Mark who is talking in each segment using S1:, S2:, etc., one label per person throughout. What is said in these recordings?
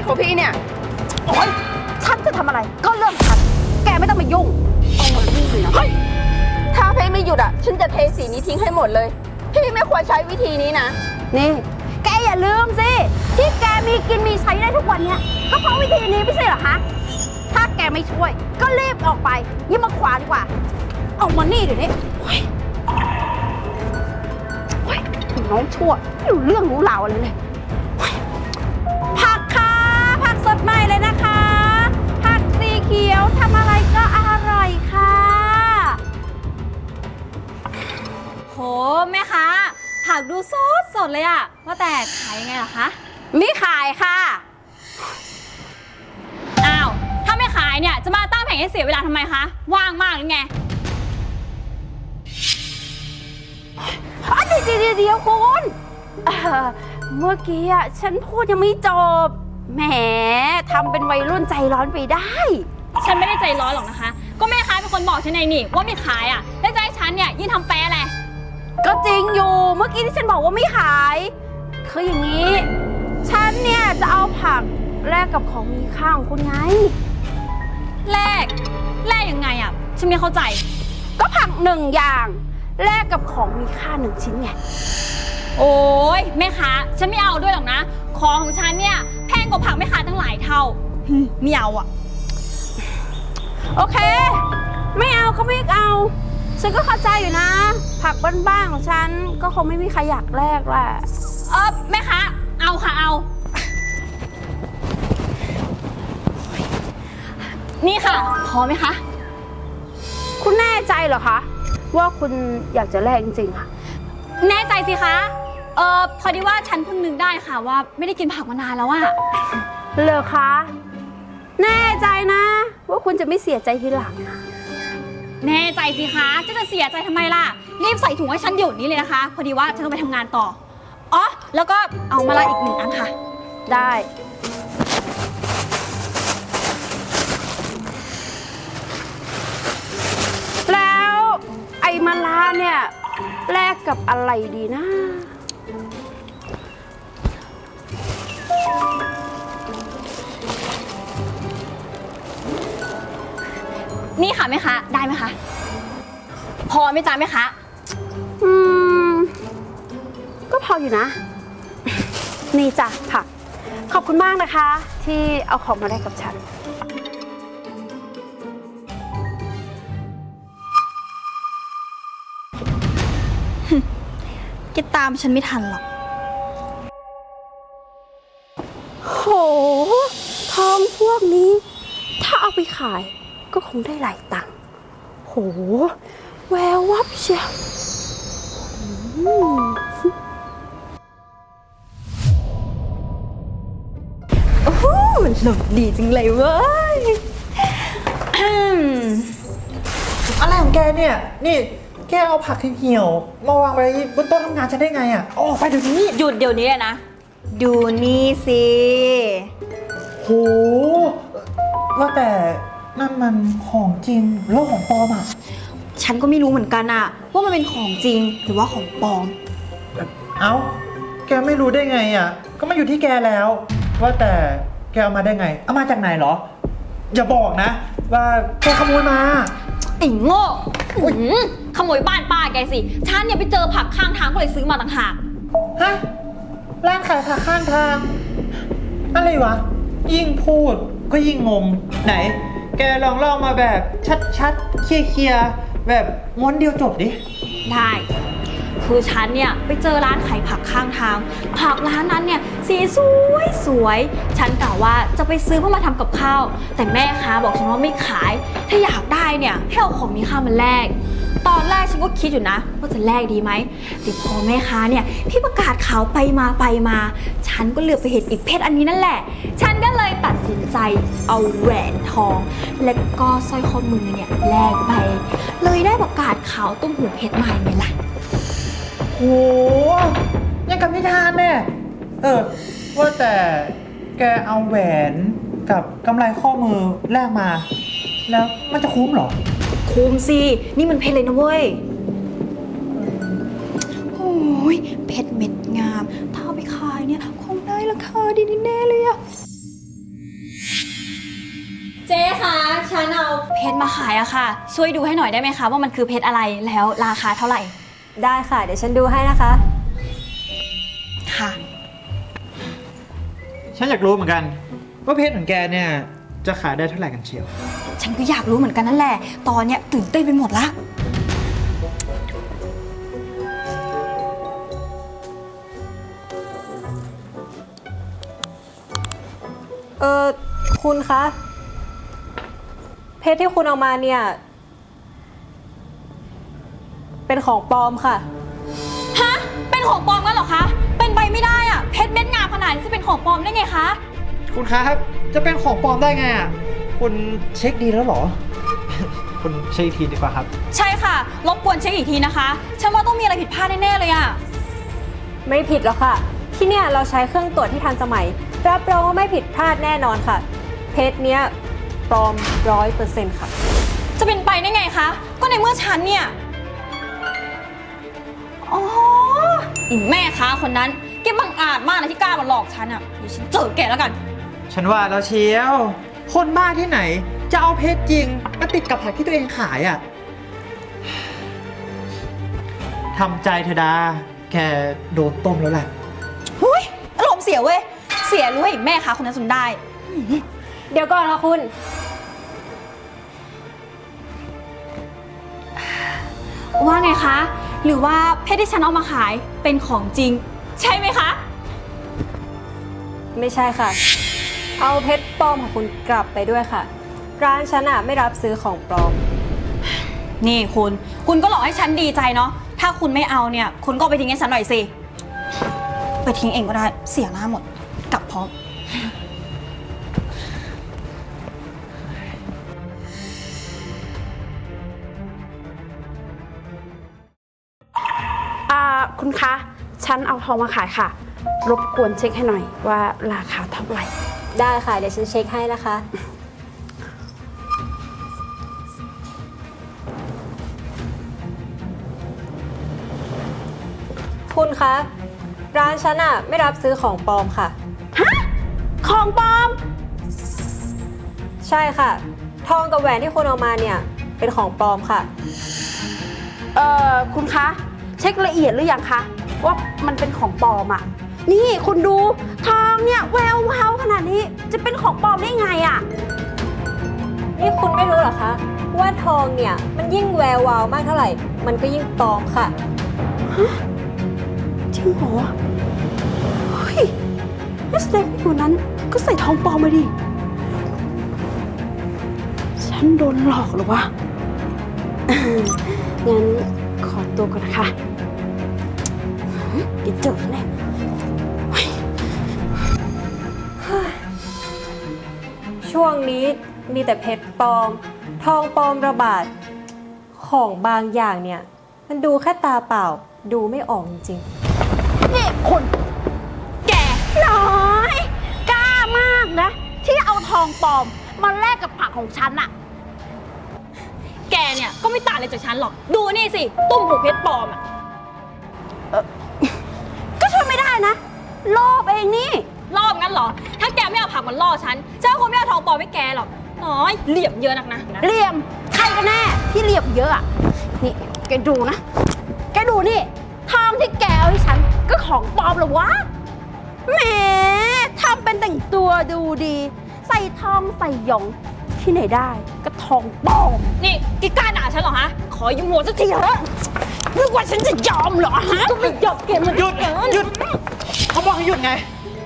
S1: ของพี่เนี่ย
S2: โอ๊ยฉันจะทำอะไรก็เรื่องฉันแกไม่ต้องมายุ่งเอามานี่เลยนะเฮ้ย
S1: ถ้าพี่ไม่หยุดฉันจะเทสีนี้ทิ้งให้หมดเลย พี่ไม่ควรใช้วิธีนี้นะ
S2: นี่แกอย่าลืมสิที่แกมีกินมีใช้ได้ทุกวันเนี้ยก็เพราะวิธีนี้ไม่ใช่เหรอคะถ้าแกไม่ช่วยก็รีบออกไปยิ่งมาขวาดีกว่าเอามานี่เดี๋ยวนี้โอ๊ยน้องชั่วไม่รู้เรื่องรู้ราวอะไรเลยผักค่ะผักสดใหม่เลยนะคะผักสีเขียวทำอะไรก็อร่อยค่ะโหแม่ค้าผักดูสดเลยอะว่าแต่ขายยังไงล่ะคะไม่ขายค่ะอ้าวถ้าไม่ขายเนี่ยจะมาตั้งแผงให้เสียเวลาทำไมคะว่างมากหรือไงเดี๋ยวคุณเมื่อกี้อะฉันพูดยังไม่จบแหมทำเป็นวัยรุ่นใจร้อนไปได้ฉันไม่ได้ใจร้อนหรอกนะคะก็แม่ค้าเป็นคนบอกฉันเองนี่ว่าไม่ขายอะแล้วจะให้ฉันเนี่ยยิ่งทำแปะอะไรก็จริงอยู่เมื่อกี้ที่ฉันบอกว่าไม่ขายคืออย่างนี้ฉันเนี่ยจะเอาผักแลกกับของมีค่าของคุณไงแลกยังไงอะฉันไม่เข้าใจก็ผัก1 อย่างแลกกับของมีค่า1 ชิ้นไงโอ้ยแม่ค้าฉันไม่เอาด้วยหรอกนะของของฉันเนี่ยแพงกว่าผักแม่ค้าตั้งหลายเท่าไม่เอาอะโอเคไม่เอาก็ไม่เอาฉันก็เข้าใจอยู่นะผักบ้านๆของฉันก็คงไม่มีใครอยากแลกแหละแม่ค้าเอาค่ะเอานี่ค่ะพอไหมคะคุณแน่ใจเหรอคะว่าคุณอยากจะแลกจริงๆค่ะแน่ใจสิคะพอดีว่าฉันเพิ่งนึกได้ค่ะว่าไม่ได้กินผักมานานแล้วอะเหรอคะแน่ใจนะว่าคุณจะไม่เสียใจทีหลังแน่ใจสิคะจะเสียใจทำไมล่ะรีบใส่ถุงให้ฉันเดี๋ยวนี้เลยนะคะพอดีว่าฉันต้องไปทำงานต่ออ๋อแล้วก็เอามาละอีก1 อันค่ะได้แล้วไอ้มะระเนี่ยแลกกับอะไรดีนะนี่ค่ะแม่ค้าได้ไหมคะพอไหมจ๊ะแม่ค้าก็พออยู่นะนี่จ้ะผักขอบคุณมากนะคะที่เอาของมาแลกกับฉันกินตามฉันไม่ทันหรอกโหทองพวกนี้ถ้าเอาไปขายก็คงได้หลายตังค์โหแวววับเชียวโอ้โหหลบดีจังเลยเว้ย
S3: อะไรของแกเนี่ยนี่แกเอาผักเหี่ยวมาวางไว้บนโต๊ะทำงานฉันได้ไงอ่ะออกไปเดี๋ยวนี้
S2: หยุดเดี๋ยวนี้เลยนะดูนี่สิ
S3: โหว่าแต่นั่นมันของจริงหรือของปลอมอ่ะ
S2: ฉันก็ไม่รู้เหมือนกันอะว่ามันเป็นของจริงหรือว่าของปลอม
S3: เอ้าแกไม่รู้ได้ไงอ่ะก็มาอยู่ที่แกแล้วว่าแต่แกเอามาได้ไงเอามาจากไหนเหรออย่าบอกนะว่าแกขโมยมา
S2: ไอ้โง่ขโมยบ้านป้าแกสิฉันเนี่ยไปเจอผักข้างทางก็เลยซื้อมาต่างหาก
S3: ฮะร้านขายผักข้างทางอะไรวะยิ่งพูดก็ยิ่งงงไหนแกลองเล่ามาแบบชัดๆเคลียร์ๆแบบม้วนเดียวจบดิ
S2: ได้คือฉันเนี่ยไปเจอร้านขายผักข้างทางผักร้านนั้นเนี่ยสีสวยฉันกะว่าจะไปซื้อเพื่อมาทำกับข้าวแต่แม่ค้าบอกฉันว่าไม่ขายถ้าอยากได้เนี่ยให้เอาของมีค่ามาแลกตอนแรกฉันก็คิดอยู่นะว่าจะแลกดีไหมแต่พอแม่ค้าเนี่ยพี่ประกาศข่าวไปมาฉันก็เหลือบไปเห็นอีกเพชรอันนี้นั่นแหละฉันก็เลยตัดสินใจเอาแหวนทองและก็สร้อยข้อมือเนี่ยแลกไปเลยได้ประกาศข่าวตุ้มหูเพชรมาไงล่ะ
S3: โหยังกับนิทานเนี่ยว่าแต่แกเอาแหวนกับกำไรข้อมือแลกมาแล้วมันจะคุ้มเหรอ
S2: คุ้มสินี่มันเพชรเลยนะเว้ยโอ้ยเพชรเม็ดงามถ้าเอาไปขายเนี่ยคงได้ราคาดีแน่เลยอะฉันเอาเพชรมาขายอะค่ะ ช่วยดูให้หน่อยได้ไหมคะว่ามันคือเพชรอะไรแล้วราคาเท่าไหร่
S4: ได้ค่ะ เดี๋ยวฉันดูให้นะคะ
S2: ค่ะ
S3: ฉันอยากรู้เหมือนกันว่าเพชรของแกเนี่ยจะขายได้เท่าไหร่กันเชียว
S2: ฉันก็อยากรู้เหมือนกันนั่นแหละ ตอนเนี้ยตื่นเต้นไปหมดละ
S4: คุณคะ เพชรที่คุณเอามาเนี่ย เป็นของปลอมค่ะ
S2: ฮะ เป็นของปลอมกันเหรอคะ เป็นไปไม่ได้อะเพชรเม็ดงามขนาดนี้จะเป็นของปลอมได้ไงคะ
S3: คุณครับจะเป็นของปลอมได้ไงอ่ะคุณเช็คดีแล้วเหรอ คุณเช็คอีกทีดีกว่าครับ
S2: ใช่ค่ะ รบกวนเช็คอีกทีนะคะ ฉันว่าต้องมีอะไรผิดพลาดแน่ๆเลยอะ
S4: ไม่ผิดหรอกค่ะ ที่เนี่ยเราใช้เครื่องตรวจที่ทันสมัย รับรองว่าไม่ผิดพลาดแน่นอนค่ะ เพชรเนี้ยปลอม 100% ค่ะ
S2: จะเป็นไปได้ไงคะ ก็ในเมื่อฉันเนี่ย อ๋ออีแม่ค้าคนนั้นแกบังอาจมากนะที่กล้ามาหลอกฉันอะเดี๋ยวฉันเจอแกแล้วกัน
S3: ฉันว่าแล้วเชียว คนบ้าที่ไหนจะเอาเพชรจริงมาติดกับผักที่ตัวเองขายอ่ะทำใจเถอะดาแกโดนต้มแล้วแหละ
S2: หุ้ยอารมณ์เสียเว้ย เสียรู้ให้แม่ค้าคนนั้นสนได้
S4: เดี๋ยวก่อนค่ะคุณ
S2: ว่าไงคะ หรือว่าเพชรที่ฉันเอามาขายเป็นของจริง ใช่ไหมคะ
S4: ไม่ใช่ค่ะ เอาเพชรปลอมของคุณกลับไปด้วยค่ะ ร้านฉันไม่รับซื้อของปลอม
S2: นี่คุณก็หลอกให้ฉันดีใจเนาะ ถ้าคุณไม่เอาเนี่ย คุณก็ไปทิ้งให้ฉันหน่อยสิ ไปทิ้งเองก็ได้ เสียหน้าหมด กลับพร้อม
S5: คุณคะ ฉันเอาทองมาขายค่ะ รบกวนเช็คให้หน่อยว่าราคาเท่าไหร่
S4: ได้ค่ะ เดี๋ยวฉันเช็คให้นะคะ คุณคะ ร้านฉันไม่รับซื้อของปลอมค่ะ
S5: ของปลอม
S4: ใช่ค่ะ ทองกับแหวนที่คุณเอามาเนี่ย เป็นของปลอมค่ะ
S5: คุณคะ เช็คละเอียดหรือยังคะ ว่ามันเป็นของปลอมอะนี่คุณดูทองเนี่ยแวววาวขนาดนี้จะเป็นของปลอมได้ไงอะ
S4: นี่คุณไม่รู้เหรอคะ ว่าทองเนี่ยมันยิ่งแวววาวมากเท่าไหร่ มันก็ยิ่งปลอมค่ะ
S5: จริงเหรอ เฮ้ยนักแสดงคนนั้นก็ใส่ทองปลอมมาดิ ฉันโดนหลอกเหรอวะ งั้นขอตัวก่อนนะคะเดี๋ยวเจอแน่
S4: ช่วงนี้มีแต่เพชรปลอม ทองปลอมระบาด ของบางอย่างเนี่ย มันดูแค่ตาเปล่า ดูไม่ออกจริง
S5: นี่คุณแกน้อย กล้ามากนะ ที่เอาทองปลอมมาแลกกับผักของฉันอะ
S2: แกเนี่ยก็ไม่ต่างอะไรจากฉันหรอก ดูนี่สิ ตุ้มหูเพชรปลอมอะ
S5: ก็ช่วยไม่ได้นะโลภเองนี่
S2: รอบงั้นเหรอ ถ้าแกไม่เอาผักมันล่อฉันฉันก็คงไม่เอาทองปลอมให้แกหรอก น้อย เหลี่ยมเยอะนักนะ
S5: เหลี่ยมใครกันแน่ที่เหลี่ยมเยอะอะนี่แกดูนะ แกดูนี่ทองที่แกเอาให้ฉันก็ของปลอมเหรอวะแหมทำเป็นแต่งตัวดูดี ใส่ทองใส่หยองที่ไหนได้ก็ทองปลอม
S2: นี่แกกล้าด่าฉันเหรอฮะ ขอยืมหัวสักทีเถอะ
S5: นึกว่าฉันจะยอมเหรอฮะก็ไม่ยอมแกมัน
S3: หยุดหยุดเขาบอกให้หยุดไง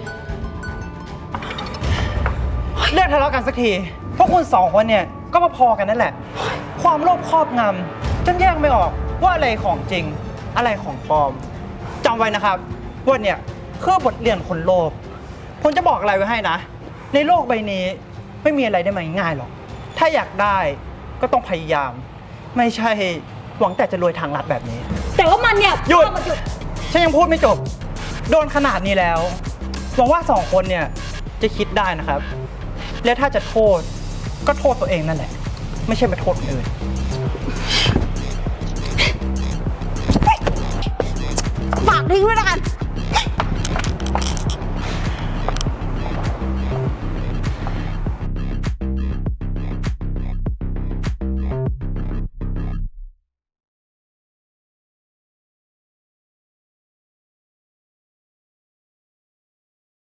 S3: เลิกทะเลาะกันสักทีพวกคุณสองคนเนี่ยก็มาพอกันนั่นแหละ ความโลภครอบงำจนแยกไม่ออกว่าอะไรของจริง อะไรของปลอมจำไว้นะครับว่าเนี่ยคือบทเรียนคนโลภผมจะบอกอะไรไว้ให้นะ ในโลกใบนี้ไม่มีอะไรได้มาง่ายๆหรอกถ้าอยากได้ก็ต้องพยายาม ไม่ใช่หวังแต่จะรวยทางลัดแบบนี้
S2: แต่ว่ามันเนี่ย
S3: หยุด
S2: มันหยุด
S3: ฉันยังพูดไม่จบ โดนขนาดนี้แล้ว หวังว่าสองคนเนี่ยจะคิดได้นะครับ และถ้าจะโทษก็โทษตัวเองนั่นแหละ ไม่ใช่ไปโทษคนอื่น
S5: ฝากทิ้งไว้แล้วกัน